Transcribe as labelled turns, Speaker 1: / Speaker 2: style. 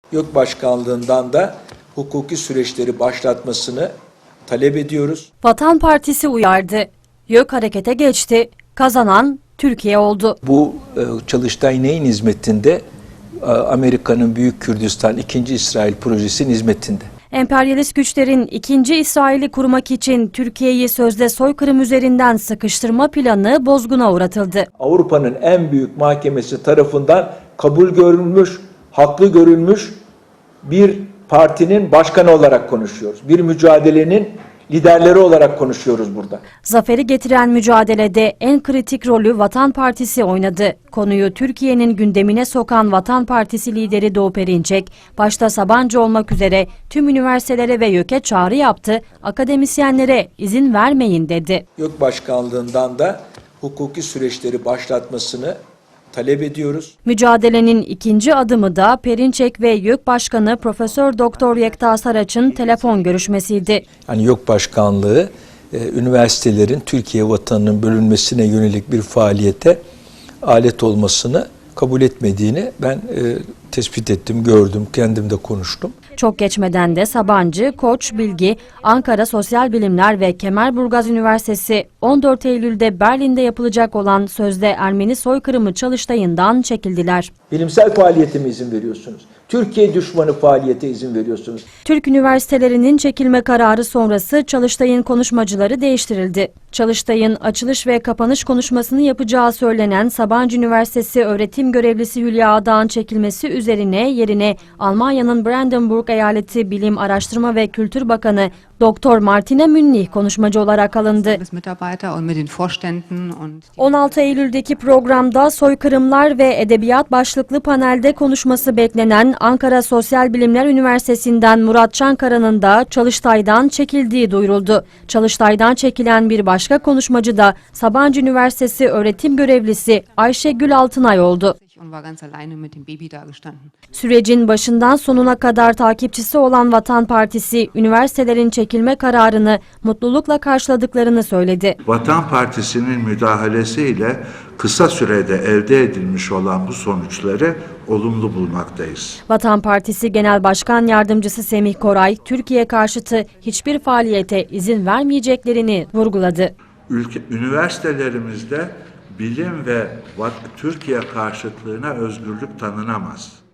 Speaker 1: YÖK Başkanlığından da hukuki süreçleri başlatmasını talep ediyoruz.
Speaker 2: Vatan Partisi uyardı. YÖK harekete geçti. Kazanan Türkiye oldu.
Speaker 1: Bu Çalıştay neyin hizmetinde? Amerika'nın Büyük Kürdistan 2. İsrail projesinin hizmetinde.
Speaker 2: Emperyalist güçlerin 2. İsrail'i kurmak için Türkiye'yi sözde soykırım üzerinden sıkıştırma planı bozguna uğratıldı.
Speaker 1: Avrupa'nın en büyük mahkemesi tarafından kabul görülmüş, haklı görülmüş bir partinin başkanı olarak konuşuyoruz. Bir mücadelenin liderleri olarak konuşuyoruz burada.
Speaker 2: Zaferi getiren mücadelede en kritik rolü Vatan Partisi oynadı. Konuyu Türkiye'nin gündemine sokan Vatan Partisi lideri Doğu Perinçek, başta Sabancı olmak üzere tüm üniversitelere ve YÖK'e çağrı yaptı, akademisyenlere izin vermeyin dedi.
Speaker 1: YÖK Başkanlığından da hukuki süreçleri başlatmasını talep ediyoruz.
Speaker 2: Mücadelenin ikinci adımı da Perinçek ve YÖK Başkanı Profesör Doktor Yekta Saraç'ın telefon görüşmesiydi.
Speaker 1: Yani YÖK Başkanlığı üniversitelerin Türkiye vatanının bölünmesine yönelik bir faaliyete alet olmasını kabul etmediğini ben tespit ettim, gördüm, kendim de konuştum.
Speaker 2: Çok geçmeden de Sabancı, Koç, Bilgi, Ankara Sosyal Bilimler ve Kemerburgaz Üniversitesi 14 Eylül'de Berlin'de yapılacak olan sözde Ermeni soykırımı çalıştayından çekildiler.
Speaker 1: Bilimsel faaliyete mi izin veriyorsunuz? Türkiye düşmanı faaliyete izin veriyorsunuz.
Speaker 2: Türk üniversitelerinin çekilme kararı sonrası Çalıştay'ın konuşmacıları değiştirildi. Çalıştay'ın açılış ve kapanış konuşmasını yapacağı söylenen Sabancı Üniversitesi öğretim görevlisi Hülya Ağdağ'ın çekilmesi üzerine yerine Almanya'nın Brandenburg Eyaleti Bilim, Araştırma ve Kültür Bakanı Doktor Martina Münnih konuşmacı olarak alındı. 16 Eylül'deki programda soykırımlar ve edebiyat başlıklı panelde konuşması beklenen Ankara Sosyal Bilimler Üniversitesi'nden Murat Çankara'nın da Çalıştay'dan çekildiği duyuruldu. Çalıştay'dan çekilen bir başka konuşmacı da Sabancı Üniversitesi öğretim görevlisi Ayşe Gül Altınay oldu. Sürecin başından sonuna kadar takipçisi olan Vatan Partisi, üniversitelerin çekilme kararını mutlulukla karşıladıklarını söyledi.
Speaker 3: Vatan Partisi'nin müdahalesiyle kısa sürede elde edilmiş olan bu sonuçları olumlu bulmaktayız.
Speaker 2: Vatan Partisi Genel Başkan Yardımcısı Semih Koray, Türkiye karşıtı hiçbir faaliyete izin vermeyeceklerini vurguladı.
Speaker 3: Üniversitelerimizde bilim ve Türkiye karşıtlığına özgürlük tanınamaz.